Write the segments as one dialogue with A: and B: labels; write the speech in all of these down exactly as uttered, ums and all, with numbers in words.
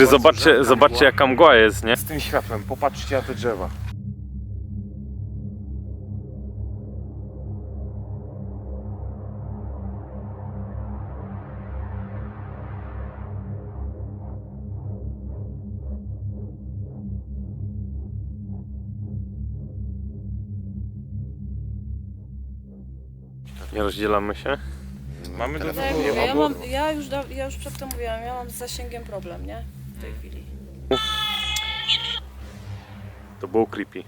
A: Znaczy zobaczcie, zobaczcie jaka mgła jest, nie?
B: Z tym światłem, popatrzcie na te drzewa.
A: Nie rozdzielamy się.
B: Mamy do
C: Tak, jak mówię, ja, mam, ja, już da, ja już przedtem mówiłam, ja mam z zasięgiem problem, nie? W tej chwili.
A: To było creepy.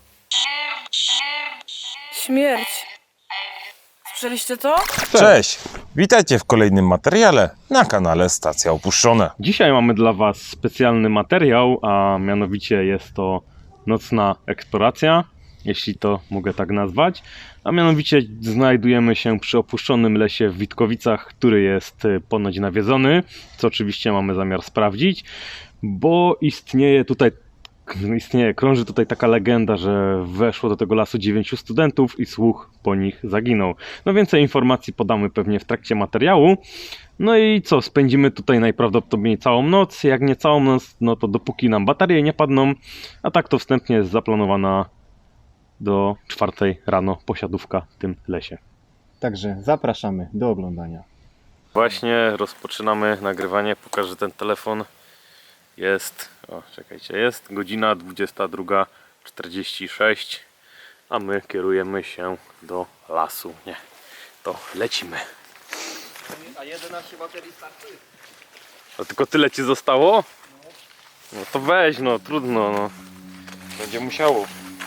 C: Śmierć. Słyszeliście to?
B: Cześć! Witajcie w kolejnym materiale na kanale Stacja Opuszczone.
A: Dzisiaj mamy dla Was specjalny materiał, a mianowicie jest to nocna eksploracja, jeśli to mogę tak nazwać. A mianowicie znajdujemy się przy opuszczonym lesie w Witkowicach, który jest ponoć nawiedzony, co oczywiście mamy zamiar sprawdzić, bo istnieje tutaj, istnieje, krąży tutaj taka legenda, że weszło do tego lasu dziewięciu studentów i słuch po nich zaginął. No więcej informacji podamy pewnie w trakcie materiału. No i co, spędzimy tutaj najprawdopodobniej całą noc, jak nie całą noc, no to dopóki nam baterie nie padną, a tak to wstępnie jest zaplanowana do czwartej rano posiadówka w tym lesie.
D: Także zapraszamy do oglądania.
A: Właśnie rozpoczynamy nagrywanie, pokażę ten telefon. Jest, o czekajcie, jest godzina dwudziesta druga czterdzieści sześć, a my kierujemy się do lasu, nie, to lecimy.
D: A jedenaście baterii starczy?
A: A tylko tyle ci zostało? No to weź, no trudno, no.
B: Będzie musiało.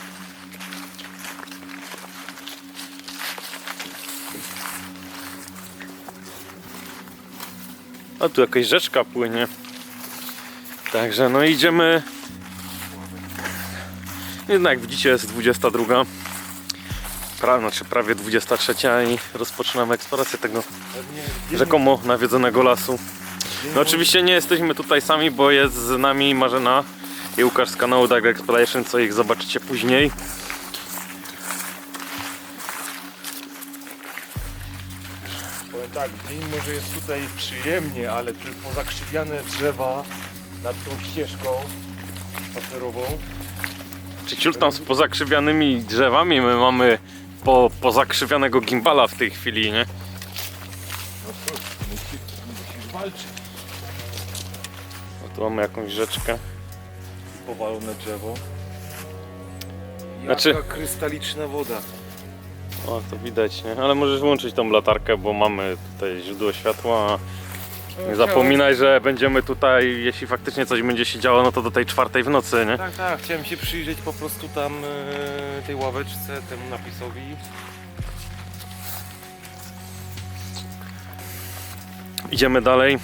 A: A tu jakaś rzeczka płynie. Także no idziemy. Jednak jak widzicie jest dwudziesta druga. Pra, znaczy prawie dwudziesta trzecia i rozpoczynamy eksplorację tego rzekomo nawiedzonego lasu. No oczywiście nie jesteśmy tutaj sami, bo jest z nami Marzena i Łukasz z kanału Dark Exploration, co ich zobaczycie później.
B: Powiem tak, dzień może jest tutaj przyjemnie, ale te pozakrzywiane drzewa nad tą ścieżką spacerową.
A: Czy ciul tam z pozakrzywianymi drzewami, my mamy po, pozakrzywionego gimbala w tej chwili, nie?
B: No cóż, musisz, musisz walczyć.
A: No tu mamy jakąś rzeczkę.
B: Powalone drzewo.
A: Znaczy-
B: Jaka krystaliczna woda.
A: O, to widać, nie? Ale możesz włączyć tą latarkę, bo mamy tutaj źródło światła. Nie zapominaj, że będziemy tutaj, jeśli faktycznie coś będzie się działo, no to do tej czwartej w nocy, nie?
B: Tak, tak, chciałem się przyjrzeć po prostu tam e, tej ławeczce, temu napisowi.
A: Idziemy dalej.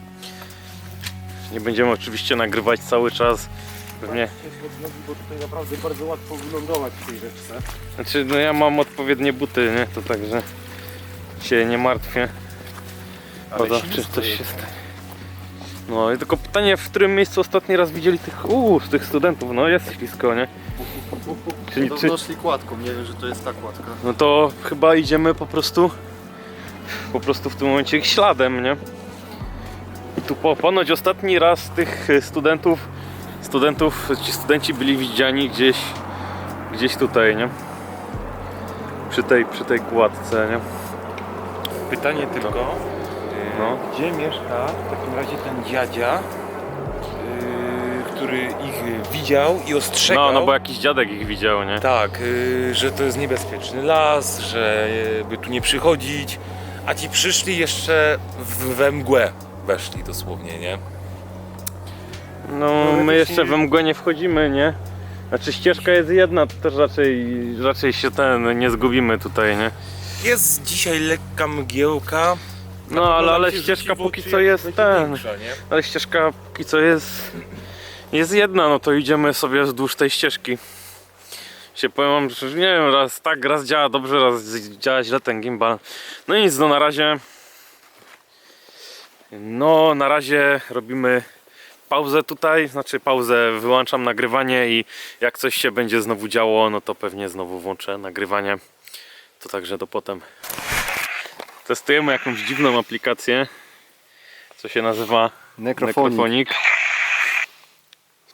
A: Nie będziemy oczywiście nagrywać cały czas. Pewnie.
B: Pod nogi, bo tutaj naprawdę bardzo łatwo wylądować w tej rzeczce.
A: Znaczy, no ja mam odpowiednie buty, nie? To także się nie martwię. O to, czy coś się stanie. No i tylko pytanie, w którym miejscu ostatni raz widzieli tych, uuu, tych studentów, no jest ślisko, nie? Czyli, czy,
D: Podobno szli kładką, nie wiem, że to jest ta kładka.
A: no to chyba idziemy po prostu, po prostu w tym momencie ich śladem, nie? I tu po, ponoć ostatni raz tych studentów, studentów, ci studenci byli widziani gdzieś, gdzieś tutaj, nie? Przy tej, przy tej kładce, nie?
B: Pytanie tylko, e,
A: No.
B: gdzie mieszka w takim razie ten dziadzia, e, który ich widział i ostrzegał?
A: No, no bo jakiś dziadek ich widział, nie?
B: Tak, e, że to jest niebezpieczny las, że e, by tu nie przychodzić, a ci przyszli jeszcze w, we mgłę, weszli dosłownie, nie?
A: No, my jeszcze we mgłę nie wchodzimy, nie? Znaczy ścieżka jest jedna, to też raczej, raczej się ten, nie zgubimy tutaj, nie?
B: Jest dzisiaj lekka mgiełka.
A: No, ale, ale
B: się
A: ścieżka
B: rzuci w
A: póki
B: oczy,
A: co
B: jak
A: jest
B: będzie
A: ten,
B: większa, nie?
A: ale ścieżka póki co jest, jest jedna, no to idziemy sobie wzdłuż tej ścieżki. Się powiem wam, że nie wiem, raz tak, raz działa dobrze, raz działa źle ten gimbal. No i nic, no na razie, no na razie robimy pauzę tutaj, znaczy pauzę, wyłączam nagrywanie i jak coś się będzie znowu działo, no to pewnie znowu włączę nagrywanie. To także do potem. Testujemy jakąś dziwną aplikację, co się nazywa
D: Necrophonic.
A: Necrophonic.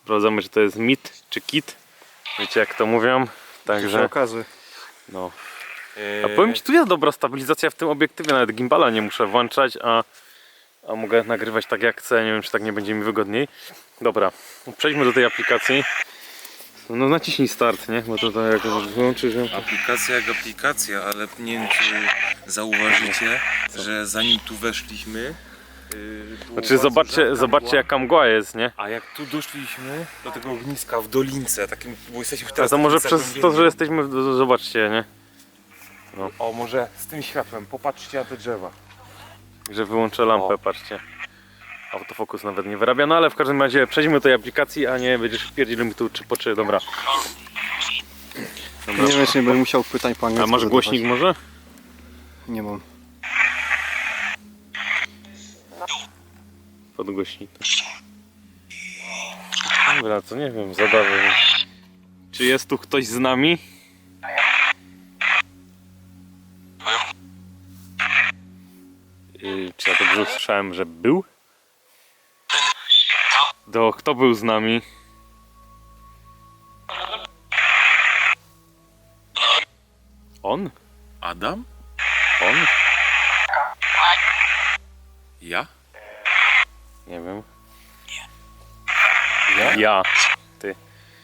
A: Sprawdzamy, czy to jest mit czy kit. Wiecie jak to mówią. Także
D: okazy.
A: no.
B: Eee,
A: A powiem ci, tu jest dobra stabilizacja w tym obiektywie, nawet gimbala nie muszę włączać, a, a mogę nagrywać tak jak chcę, nie wiem czy tak nie będzie mi wygodniej. Dobra, przejdźmy do tej aplikacji. No naciśnij start, nie? Bo to tak jak wyłączysz ją.
B: Aplikacja jak aplikacja, ale nie wiem czy zauważycie, że zanim tu weszliśmy... Yy, było
A: Znaczy
B: bardzo
A: zobaczcie,
B: rzadka
A: zobaczcie
B: mgła.
A: jaka mgła jest, nie?
B: A jak tu doszliśmy do tego ogniska w dolince, takim, bo jesteśmy
A: A
B: teraz
A: to może
B: w takim
A: przez to,
B: zagłębieniu.
A: że jesteśmy, w- zobaczcie, nie?
B: O, może z tym światłem, popatrzcie na te drzewa.
A: Że wyłączę lampę,
B: O.
A: patrzcie. Autofokus nawet nie wyrabia, no ale w każdym razie przejdźmy do tej aplikacji, a nie będziesz wpierdził mi tu czy po czy, dobra. Dobra.
D: Nie wiem, czy nie będę musiał pytań po
A: A
D: angielsku
A: masz
D: zadawać.
A: głośnik może?
D: Nie mam.
A: Podgłośnik. Dobra, to nie wiem, zadawaj. Czy jest tu ktoś z nami? Yy, czy ja dobrze usłyszałem, że był? Do, kto był z nami? On?
B: Adam?
A: On?
B: Ja?
A: Nie wiem. Ja? Ja. Ty.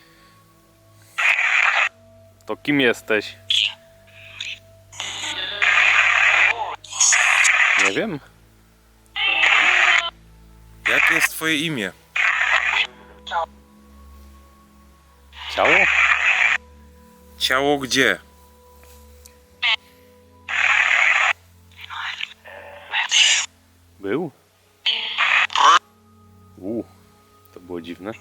A: To kim jesteś? Nie wiem.
B: Jakie jest twoje imię?
A: Ciało?
B: Ciało gdzie?
A: Był? Uuu, to było dziwne.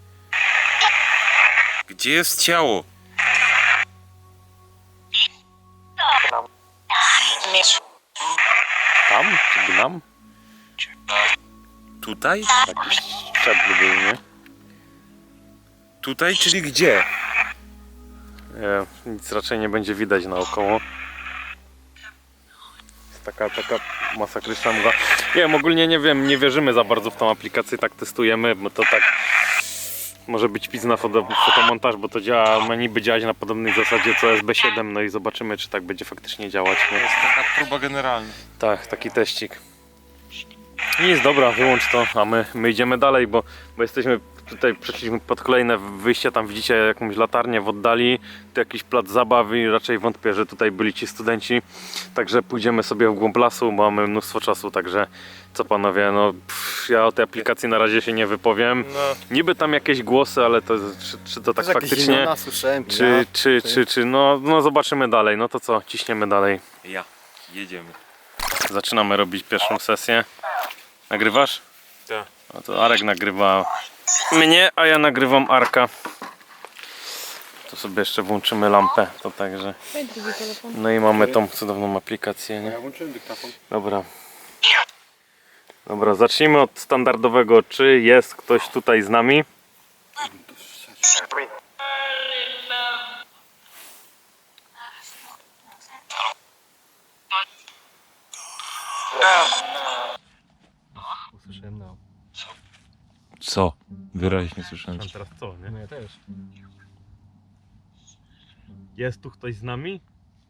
B: Gdzie jest ciało?
A: Tam? Czy gnam?
B: Tutaj?
A: Jakiś szczebl był, nie?
B: Tutaj, czyli gdzie?
A: Nie, nic raczej nie będzie widać naokoło. Jest taka, taka masakryczna mgła. Nie wiem, ogólnie nie wiem, nie wierzymy za bardzo w tą aplikację, tak testujemy, bo to tak może być pizna foto, fotomontaż, bo to działa, ma niby działać na podobnej zasadzie co S B siedem, no i zobaczymy, czy tak będzie faktycznie działać.
B: To
A: Nie?
B: jest taka próba generalna.
A: Tak, taki teścik. Nic, dobra, wyłącz to, a my, my idziemy dalej, bo, bo jesteśmy tutaj, przeszliśmy pod kolejne wyjście, tam widzicie jakąś latarnię w oddali, tu jakiś plac zabaw i raczej wątpię, że tutaj byli ci studenci, także pójdziemy sobie w głąb lasu, bo mamy mnóstwo czasu, także co panowie, no pff, ja o tej aplikacji na razie się nie wypowiem.
B: No,
A: Niby tam jakieś głosy, ale to, czy, czy to tak faktycznie,
D: słyszałem.
A: czy, czy,
D: ty.
A: czy, czy, no, no zobaczymy dalej, no to co, ciśniemy dalej.
B: ja. Jedziemy.
A: Zaczynamy robić pierwszą sesję. Nagrywasz?
B: Tak.
A: No to Arek nagrywa mnie, a ja nagrywam Arka. Tu sobie jeszcze włączymy lampę, to także.
C: Daj drugi telefon.
A: No i mamy tą cudowną aplikację, nie?
D: Ja włączyłem dyktafon.
A: Dobra. Dobra, zacznijmy od standardowego. Czy jest ktoś tutaj z nami?
D: Usłyszałem no.
B: Co? Wyraźnie słyszałem.
A: teraz co, nie?
D: No ja też.
A: Jest tu ktoś z nami?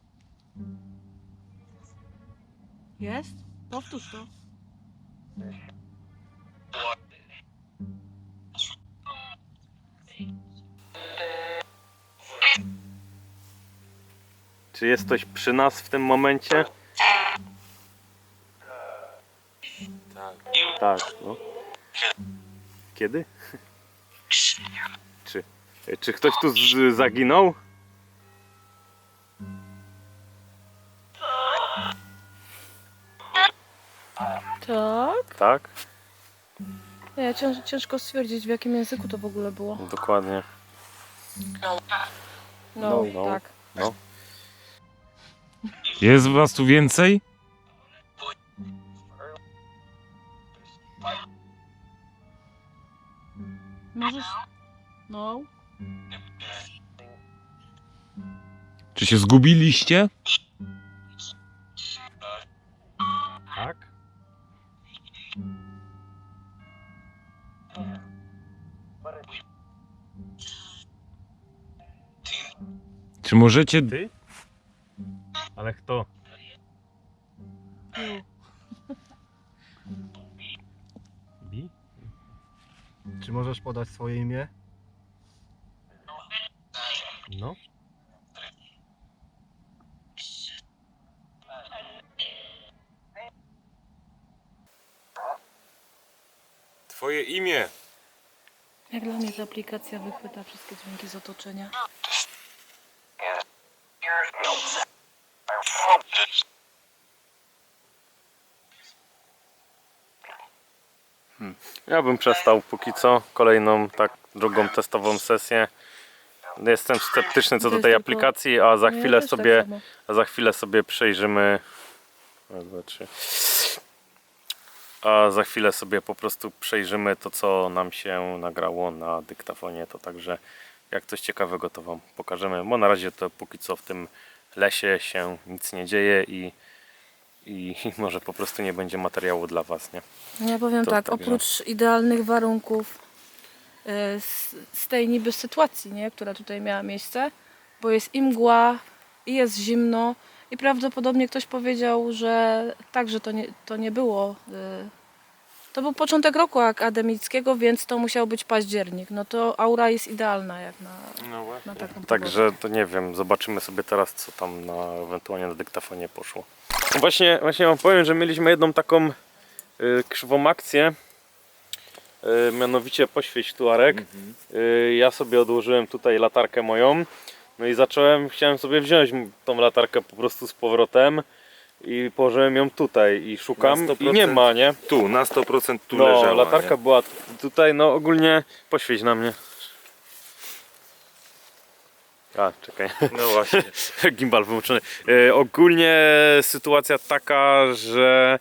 C: Jest? Powtórz to.
A: Czy jest ktoś przy nas w tym momencie?
B: Tak.
A: Tak, no. Kiedy? Czy, czy ktoś tu z, zaginął?
C: Tak?
A: Tak,
C: Nie, cięż, ciężko stwierdzić, w jakim języku to w ogóle było.
A: dokładnie.
C: No,
A: No, no.
C: tak.
A: No.
B: Jest was tu więcej?
C: Możesz... No.
B: Czy się zgubiliście?
A: Tak?
B: Czy możecie...
A: Ty? Ale kto? Bi?
D: Czy możesz podać swoje imię?
A: No.
B: Twoje imię.
C: Jak dla mnie ta aplikacja wychwyta wszystkie dźwięki z otoczenia.
A: Ja bym przestał póki co kolejną tak drugą testową sesję. Jestem sceptyczny co
C: To
A: do
C: jest
A: tej
C: tylko-
A: aplikacji, a za
C: No ja
A: chwilę
C: też tak
A: sobie
C: samo.
A: a za chwilę sobie przejrzymy. Raz, dwa, trzy. A za chwilę sobie po prostu przejrzymy to, co nam się nagrało na dyktafonie. To także jak coś ciekawego, to Wam pokażemy. Bo na razie to póki co w tym lesie się nic nie dzieje i, i może po prostu nie będzie materiału dla Was, nie?
C: Ja powiem
A: To
C: tak,
A: także-
C: oprócz idealnych warunków y, z, z tej niby sytuacji, nie, która tutaj miała miejsce, bo jest i mgła, i jest zimno, i prawdopodobnie ktoś powiedział, że tak, że to nie, to nie było. y, To był początek roku akademickiego, więc to musiał być październik. No to aura jest idealna jak na,
B: No właśnie.
C: na taką pogodę.
A: Także to nie wiem, zobaczymy sobie teraz, co tam na, ewentualnie na dyktafonie poszło. Właśnie, właśnie Wam powiem, że mieliśmy jedną taką y, krzywą akcję. Y, mianowicie poświeć tu, Arek. Y, ja sobie odłożyłem tutaj latarkę moją. No i zacząłem, chciałem sobie wziąć tą latarkę po prostu z powrotem. I położyłem ją tutaj i szukam
B: Na sto
A: i nie
B: procent
A: ma, nie?
B: Tu, na sto procent tu
A: No,
B: leżała.
A: latarka
B: nie?
A: była tutaj, no ogólnie poświeć na mnie. A, czekaj.
B: No właśnie.
A: Gimbal wyłączony. E, ogólnie sytuacja taka, że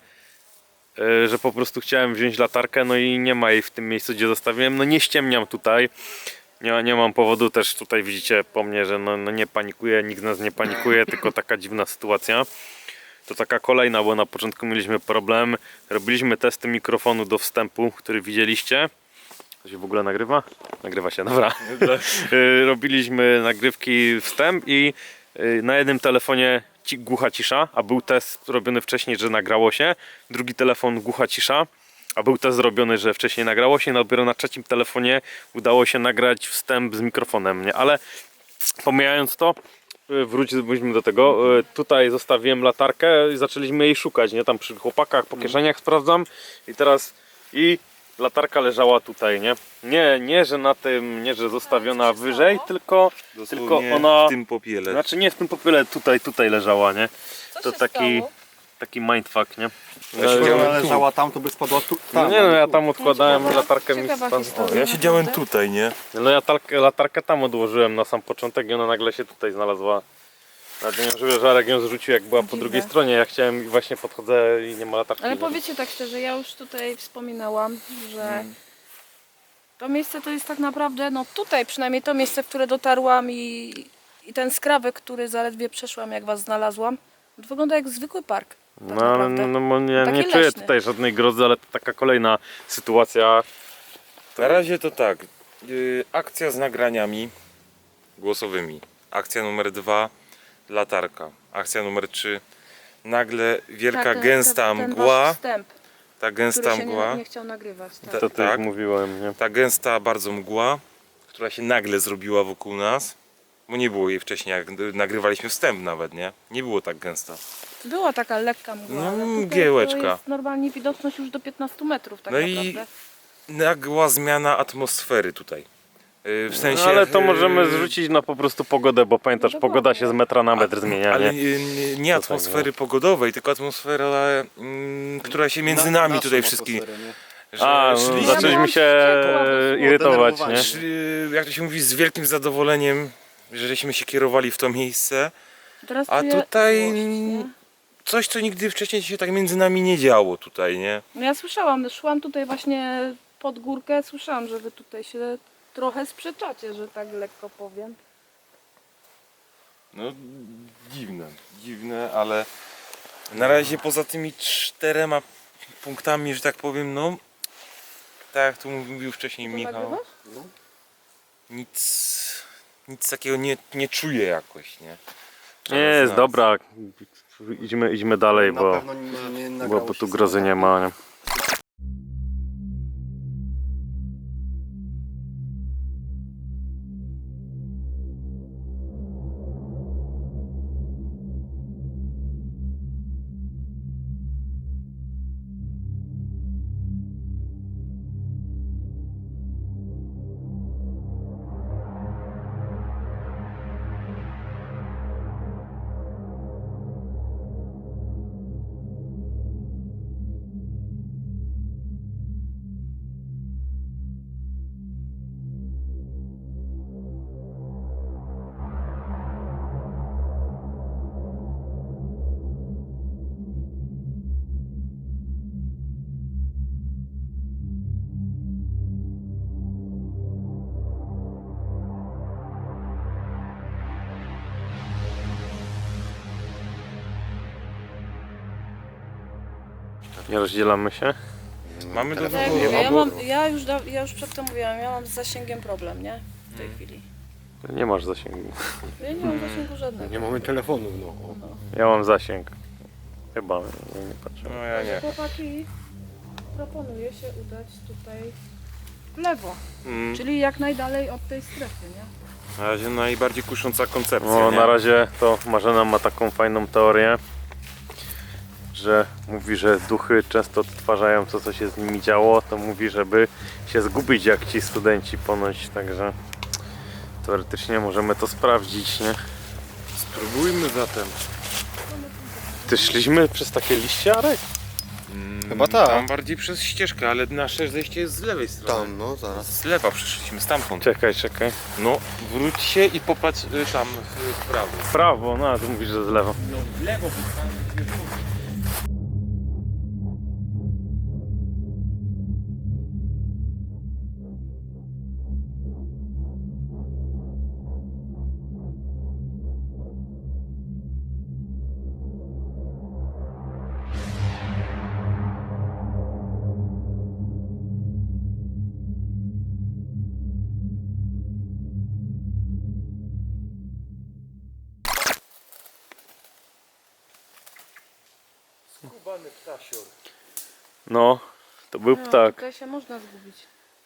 A: e, że po prostu chciałem wziąć latarkę, no i nie ma jej w tym miejscu, gdzie zostawiłem. No nie ściemniam tutaj. Nie, nie mam powodu też tutaj, widzicie po mnie, że no, no nie panikuję, nikt z nas nie panikuje, tylko taka dziwna sytuacja. To taka kolejna, bo na początku mieliśmy problem. Robiliśmy testy mikrofonu do wstępu, który widzieliście. To się w ogóle nagrywa? Nagrywa się, dobra. Y, Robiliśmy nagrywki wstęp i y, na jednym telefonie ci, głucha cisza, a był test robiony wcześniej, że nagrało się. Drugi telefon głucha cisza, a był test zrobiony, że wcześniej nagrało się. Dopiero na trzecim telefonie udało się nagrać wstęp z mikrofonem, nie? Ale pomijając to, y, wróćmy do tego. Y, Tutaj zostawiłem latarkę i zaczęliśmy jej szukać, nie? Tam przy chłopakach, po kieszeniach sprawdzam i teraz i latarka leżała tutaj, nie? Nie, nie, że na tym, nie, że zostawiona wyżej, tylko, tylko ona,
B: w tym popiele.
A: znaczy nie w tym popiele, tutaj, tutaj leżała, nie?
C: Co
A: To
C: się
A: taki,
C: stało?
A: taki mindfuck, nie?
B: Ja
A: No,
B: siedziałem
D: Ona
B: tu.
D: leżała tam, to by spadła tu.
A: no
D: Tam,
A: nie no, ja
D: tu.
A: tam odkładałem
C: ciekawa-
A: latarkę mi
C: ciekawa
A: spadła.
C: historia.
B: Ja siedziałem
C: Naprawdę?
B: tutaj, nie?
A: No ja latarkę, latarkę tam odłożyłem na sam początek i ona nagle się tutaj znalazła. Nawet nie wiem, że Żarek ją zrzucił jak była po
C: Dziwne.
A: drugiej stronie, ja chciałem i właśnie podchodzę i nie ma latarki.
C: Ale
A: nie?
C: powiedzcie tak szczerze, ja już tutaj wspominałam, że
A: Hmm.
C: to miejsce to jest tak naprawdę, no tutaj przynajmniej to miejsce, w które dotarłam i, i ten skrawek, który zaledwie przeszłam, jak was znalazłam, to wygląda jak zwykły park. Tak
A: No, ale
C: naprawdę.
A: no, no, ja
C: Taki
A: nie czuję
C: leśny.
A: tutaj żadnej grozy, ale to taka kolejna sytuacja.
B: Na razie to tak. Yy, akcja z nagraniami głosowymi. Akcja numer dwa. Latarka. Akcja numer trzy. Nagle wielka,
C: Tak, ten-
B: gęsta
C: ten, ten
B: mgła.
C: wasz wstęp,
B: Ta
C: który
B: gęsta
C: się
B: mgła.
C: nie, nie chciał nagrywać. Tak.
B: Ta-
A: To też
B: tak.
A: mówiłem, nie?
B: Ta gęsta bardzo mgła, która się nagle zrobiła wokół nas. Bo nie było jej wcześniej, jak nagrywaliśmy wstęp nawet, nie? Nie było tak gęsta.
C: Była taka lekka mgła,
B: No,
C: ale tutaj
B: mgiełeczka.
C: to jest normalnie widoczność już do piętnastu metrów tak
B: No i
C: naprawdę.
B: nagła zmiana atmosfery tutaj. Yy, W sensie.
A: No, ale to
B: yy,
A: możemy zrzucić na po prostu pogodę, bo pamiętasz,
C: No
A: pogoda
C: dokładnie.
A: się z metra na metr zmienia,
B: Ale
A: nie?
B: nie, nie, nie
A: To tak,
B: atmosfery pogodowej, tylko atmosfera, mm, która się między
D: Na-
B: nami
D: naszą
B: tutaj wszystkimi.
D: atmosferę, nie?
B: Że
A: A, no,
B: szliśmy,
A: zaczęliśmy się
C: Ja
A: irytować, nie?
D: Zdenerwowani.
B: szli, jak to się mówi, z wielkim zadowoleniem, że żeśmy się kierowali w to miejsce.
C: Teraz
B: A
C: czuję
B: tutaj-
C: złość, nie?
B: Coś, co nigdy wcześniej się tak między nami nie działo tutaj, nie?
C: No ja słyszałam, szłam tutaj właśnie pod górkę, słyszałam, że wy tutaj się trochę sprzeczacie, że tak lekko powiem.
B: No dziwne, dziwne, ale na razie poza tymi czterema punktami, że tak powiem, no tak jak tu mówił wcześniej
C: To
B: Michał,
C: nagrywasz?
B: nic, nic takiego nie, nie czuję jakoś, nie?
A: Nie, jest
B: Znalazł.
A: dobra. Idźmy, idźmy dalej,
D: Na
A: bo,
D: pewno nie, nie
A: bo,
D: nagrało
A: bo
D: się
A: tu
D: z
A: grozy nie
D: kamerą.
A: ma. Nie? Nie rozdzielamy się.
B: Mamy do
C: Tak jak
B: wyboru
C: mówię, ja,
B: albo...
C: mam, ja, już, da- ja już przedtem mówiłam, ja mam z zasięgiem problem, nie? W tej chwili.
A: Nie masz zasięgu.
C: Ja nie mam zasięgu żadnego.
D: Nie mamy telefonu, no.
A: Ja mam zasięg. Chyba, nie, nie patrzę.
B: No ja nie.
C: Chłopaki, proponuję się udać tutaj w lewo,
B: Mm,
C: czyli jak najdalej od tej strefy, nie?
B: na razie najbardziej kusząca koncepcja,
A: No,
B: nie?
A: na razie to Marzena ma taką fajną teorię, że mówi, że duchy często odtwarzają to, co się z nimi działo, to mówi, żeby się zgubić jak ci studenci ponoć, także teoretycznie możemy to sprawdzić, nie?
B: Spróbujmy zatem.
A: Ty szliśmy przez takie liście, Arek?
B: Mm,
D: Chyba tak.
B: Tam bardziej przez ścieżkę, ale nasze zejście jest z lewej strony.
D: Tam, no zaraz.
B: Z lewa przyszliśmy, stamtąd.
A: Czekaj, czekaj.
B: No, wróć się i popatrz y, tam w w prawo.
A: W prawo, no a ty mówisz, że z lewo.
B: No, w lewo, bo tam skubany ptasior.
A: No, to był
C: No,
A: ptak.
C: tutaj się można zgubić.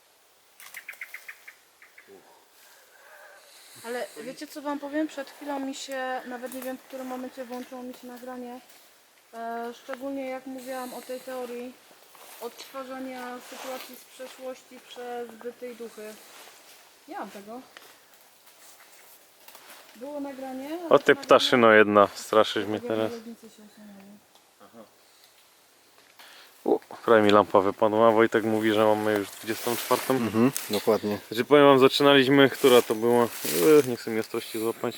C: Ale wiecie co wam powiem? Przed chwilą mi się, nawet nie wiem w którym momencie włączyło mi się nagranie. E, szczególnie jak mówiłam o tej teorii odtwarzania sytuacji z przeszłości przez zbytej duchy. Nie mam tego. Było nagranie. ale
A: O
C: to
A: ty
C: nagranie-
A: ptaszyno jedna, straszysz mnie
C: Tak jak
A: teraz.
C: żelaznicy się osiągnęły.
A: U, prawie mi lampa wypadła, Wojtek mówi, że mamy już dwudziestą czwartą.
D: Mhm, dokładnie.
A: Znaczy powiem wam, zaczynaliśmy, która to była? Ech, nie chcę mi ostrości złapać.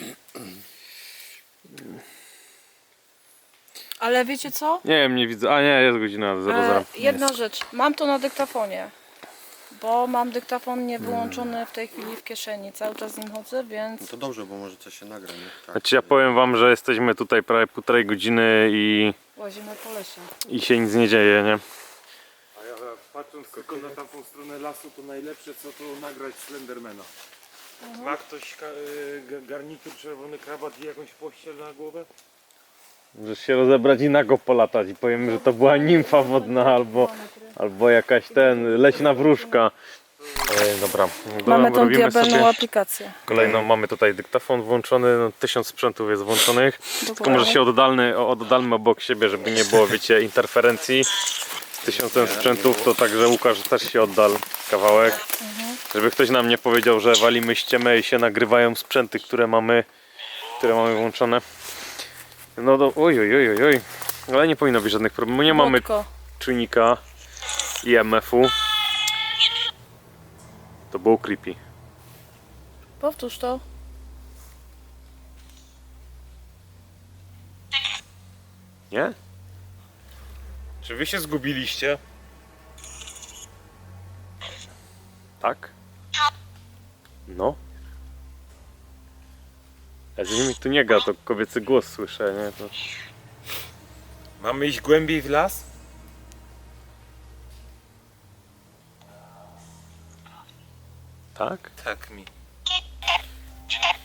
C: Ale wiecie co?
A: Nie wiem, nie widzę. A nie, jest godzina zero zero.
C: E, jedna rzecz, mam to na dyktafonie, bo mam dyktafon nie wyłączony w tej chwili w kieszeni, cały czas z nim chodzę, więc
D: To dobrze, bo może coś się nagra, nie? Tak.
A: Znaczy ja powiem wam, że jesteśmy tutaj prawie półtorej godziny i,
C: łazimy po lesie.
A: i się nic nie dzieje, nie?
B: A ja patrząc tylko na tamtą stronę lasu, to najlepsze co to nagrać Slendermana. Ma ktoś ka- y, ga- garnitur, czerwony krawat i jakąś pościel na głowę?
A: Możesz się rozebrać i nago polatać i powiem, że to była nimfa wodna albo, albo jakaś ten, leśna wróżka. Ej, dobra,
C: Mamy
A: dobra,
C: tą
A: robimy
C: diabelną
A: sobie
C: aplikację.
A: kolejną, mamy tutaj dyktafon włączony, no, tysiąc sprzętów jest włączonych. Tylko może się oddalny, oddalmy obok siebie, żeby nie było, wiecie, interferencji. Z tysiącem sprzętów to także Łukasz też się oddal kawałek. Żeby ktoś nam nie powiedział, że walimy ściemę i się nagrywają sprzęty, które mamy, które mamy włączone. No do, oj, oj, oj, oj, oj. Ale nie powinno być żadnych problemów. Nie mamy
C: Wodko.
A: czujnika I M F-u. To było creepy.
C: Powtórz to.
A: Nie?
B: Czy wy się zgubiliście?
A: Tak? No. Ja z nimi tu nie ga, to kobiecy głos słyszę, nie? To...
B: Mamy iść głębiej w las?
A: Tak?
B: Tak mi.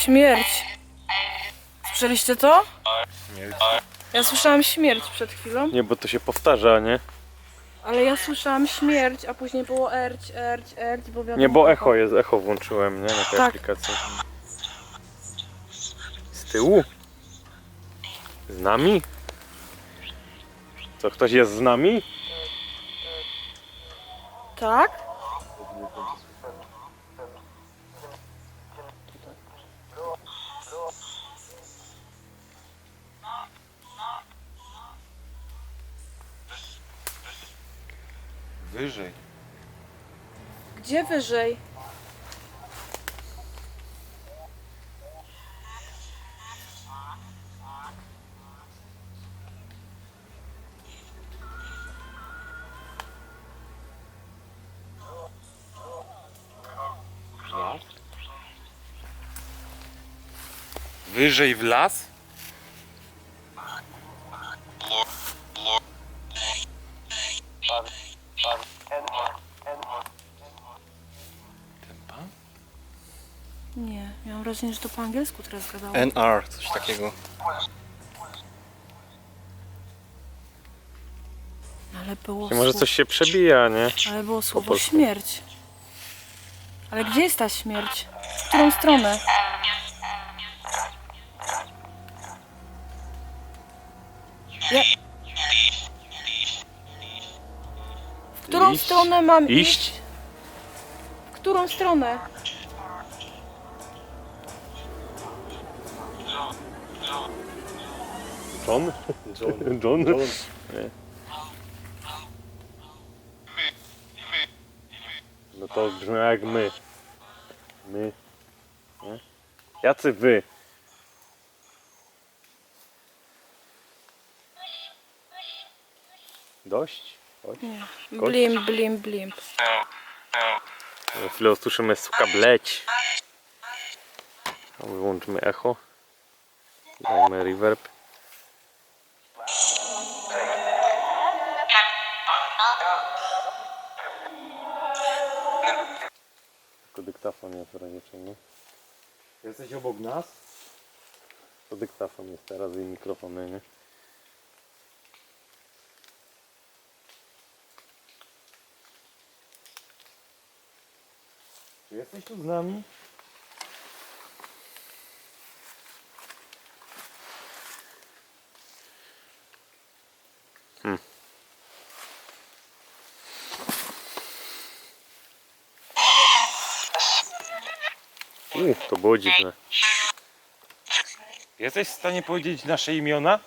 C: Śmierć. Słyszeliście to?
A: Nie,
C: Ja słyszałam śmierć przed chwilą,
A: nie, bo to się powtarza, nie?
C: ale ja słyszałam śmierć, a później było erć, erć, erć, bo wiadomo...
A: Nie, bo echo jest, echo włączyłem, nie? Na tej
C: Tak.
A: aplikacji. Z tyłu? Z nami? Co, ktoś jest z nami?
C: Tak?
B: Wyżej.
C: Gdzie wyżej?
B: Wyżej w las? Ten pan?
C: Nie, miałam wrażenie, że to po angielsku teraz gadało.
D: N R, coś takiego.
C: Ale było
A: Może
C: słowo,
A: coś się przebija, nie?
C: ale było słowo
A: polsku.
C: śmierć. Ale gdzie jest ta śmierć? W którą stronę? Ja... W którą
A: Iść?
C: stronę mam iść?
A: Iść?
C: W którą stronę?
A: John?
D: John.
A: John?
D: John.
A: Nie. No to brzmi jak my. My. Nie? Jacy wy? Dość? Dość?
C: Nie.
A: Kość?
C: Blim, blim, blim.
A: Za chwilę usłyszymy suka bleć. A wyłączmy echo. Dajmy reverb. Tylko dyktafon jest w razie czego.
D: Jesteś obok nas?
A: To dyktafon jest teraz i mikrofony, nie?
B: Czy jesteś tu z nami?
A: U, to było dziwne.
B: Jesteś w stanie powiedzieć nasze imiona?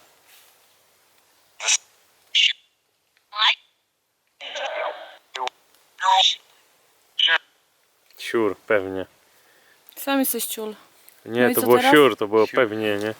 A: Siur, pewnie.
C: Sam jesteś ciul.
A: Nie,
C: No i
A: to
C: co
A: było
C: teraz?
A: siur, to było
B: Siur.
A: pewnie, nie?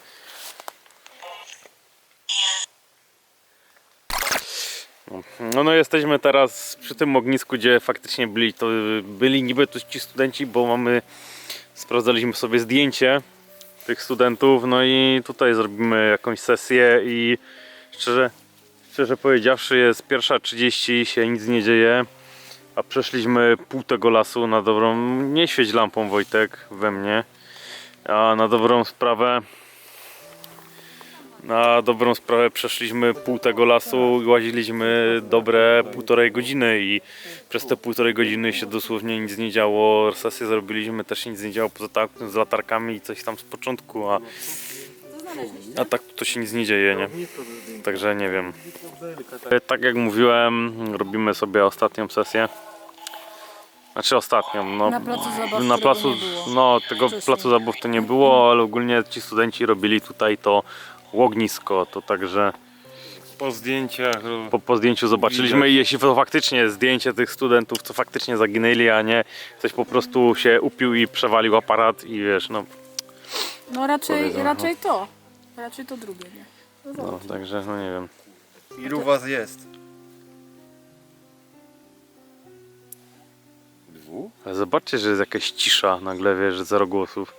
A: No, no jesteśmy teraz przy tym ognisku, gdzie faktycznie byli, to byli niby tu ci studenci, bo mamy, sprawdzaliśmy sobie zdjęcie tych studentów, no i tutaj zrobimy jakąś sesję i szczerze, szczerze powiedziawszy jest pierwsza trzydzieści, się nic nie dzieje, a przeszliśmy pół tego lasu na dobrą, nie świeć lampą Wojtek we mnie, a na dobrą sprawę Na dobrą sprawę przeszliśmy pół tego lasu i łaziliśmy dobre półtorej godziny i przez te półtorej godziny się dosłownie nic nie działo. Sesję zrobiliśmy, też się nic nie działo poza tak, z latarkami i coś tam z początku, a, a tak to się nic nie dzieje, nie? Także nie wiem. Tak jak mówiłem, robimy sobie ostatnią sesję. Znaczy ostatnią, no,
C: Na placu zabaw,
A: na
C: którego
A: placu,
C: nie było
A: no tego
C: wcześniej.
A: placu zabaw to nie było, ale ogólnie ci studenci robili tutaj to ognisko, to także
B: Po zdjęciach.
A: po, po zdjęciu zobaczyliśmy
B: Widać.
A: i jeśli to faktycznie zdjęcie tych studentów, co faktycznie zaginęli, a nie ktoś po prostu się upił i przewalił aparat i wiesz, no,
C: No raczej,
A: Powiedzą,
C: raczej to. Raczej to drugie, nie? No
A: no
C: zobacz.
A: także no nie wiem.
D: Ilu was jest?
B: Dwóch?
A: Ale zobaczcie, że jest jakaś cisza nagle, wiesz, że zero głosów.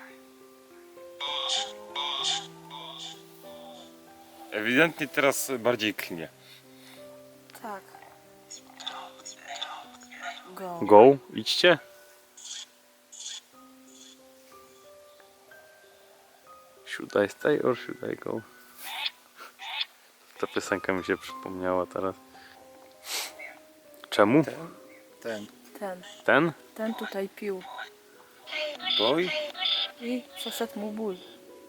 B: Ewidentnie teraz bardziej knie.
C: Tak. Go.
A: Go, idźcie. Should I stay or should I go? Ta piosenka mi się przypomniała teraz. Czemu?
D: Ten.
C: Ten,
A: Ten?
C: ten tutaj pił
B: Boj?
C: i przeszedł mu ból.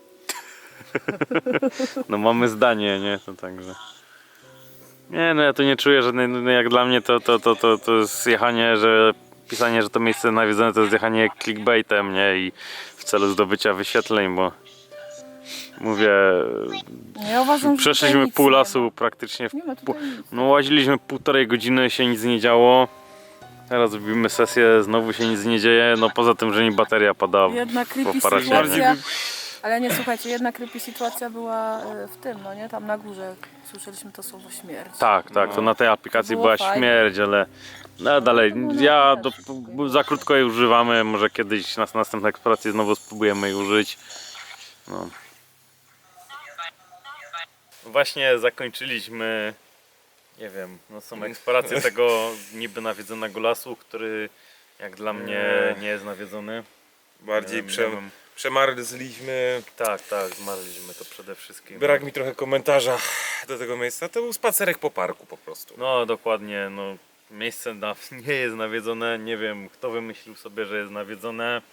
A: No mamy zdanie, nie? To także. Nie, no ja tu nie czuję żadnej, no jak dla mnie to, to, to, to, to jest jechanie, że pisanie, że to miejsce nawiedzone to jest jechanie clickbaitem, nie? I w celu zdobycia wyświetleń, bo mówię,
C: Ja uważam, że
A: przeszliśmy
C: tutaj nic
A: pół
C: nie
A: lasu
C: ma.
A: praktycznie. W
C: Nie ma
A: pół,
C: tutaj nic.
A: no łaziliśmy półtorej godziny, się nic nie działo. Teraz robimy sesję, znowu się nic nie dzieje, no poza tym, że mi bateria pada
C: Jedna creepy
A: po parasie.
C: sytuacja, ale nie, słuchajcie, jedna creepy sytuacja była e, w tym, no nie, tam na górze słyszeliśmy to słowo śmierć.
A: Tak, tak, to na tej aplikacji
C: było
A: była
C: fajne.
A: śmierć, ale no dalej,
C: to było na
A: ja
C: wiesz,
A: do,
C: takie-
A: za krótko jej używamy, może kiedyś na następnej eksploracji znowu spróbujemy jej użyć. No. Właśnie zakończyliśmy, nie wiem, no są eksploracje tego niby nawiedzonego lasu, który jak dla mnie nie jest nawiedzony.
B: Bardziej
A: Nie wiem,
B: prze,
A: nie wiem.
B: przemarzliśmy.
A: Tak, tak, zmarliśmy to przede wszystkim.
B: Brak mi trochę komentarza do tego miejsca. To był spacerek po parku po prostu.
A: No dokładnie, no miejsce na, nie jest nawiedzone, nie wiem kto wymyślił sobie, że jest nawiedzone.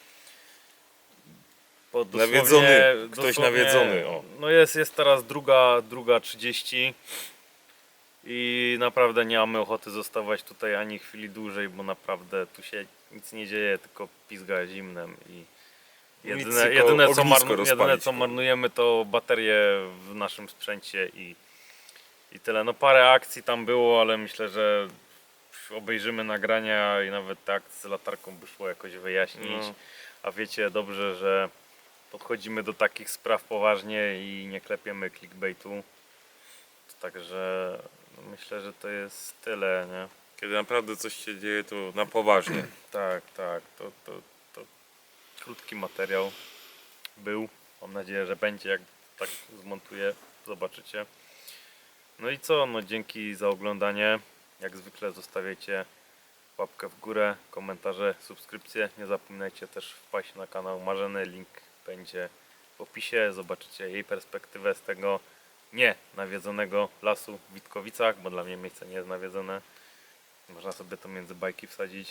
A: Bo dosłownie-
B: Nawiedzony, ktoś
A: dosłownie,
B: nawiedzony, o.
A: No jest, jest teraz druga, druga trzydzieści i naprawdę nie mamy ochoty zostawać tutaj ani chwili dłużej, bo naprawdę tu się nic nie dzieje, tylko pizga zimnem i jedyne,
B: tylko
A: jedyne, co,
B: ognisko
A: marnu, jedyne
B: rozpalić.
A: co marnujemy to baterie w naszym sprzęcie i, i tyle. No parę akcji tam było, ale myślę, że obejrzymy nagrania i nawet te akcje z latarką by szło jakoś wyjaśnić.
B: No.
A: A wiecie dobrze, że podchodzimy do takich spraw poważnie i nie klepiemy clickbaitu. Także no myślę, że to jest tyle, nie?
B: Kiedy naprawdę coś się dzieje, to na poważnie.
A: Tak, tak. To, to, to krótki materiał był. Mam nadzieję, że będzie, jak tak zmontuję. Zobaczycie. No i co? No dzięki za oglądanie. Jak zwykle zostawiajcie łapkę w górę, komentarze, subskrypcje. Nie zapominajcie też wpaść na kanał Marzeny. Link będzie w opisie. Zobaczycie jej perspektywę z tego nie nawiedzonego lasu w Witkowicach, bo dla mnie miejsce nie jest nawiedzone. Można sobie to między bajki wsadzić.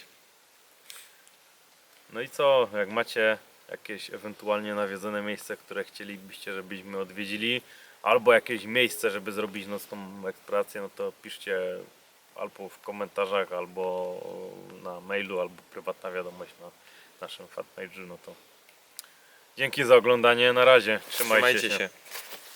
A: No i co? Jak macie jakieś ewentualnie nawiedzone miejsce, które chcielibyście, żebyśmy odwiedzili, albo jakieś miejsce, żeby zrobić nocną eksplorację, no to piszcie albo w komentarzach, albo na mailu, albo prywatna wiadomość na naszym fanpage'u. No to dzięki za oglądanie. Na razie. Trzymajcie,
B: Trzymajcie
A: się.
B: się.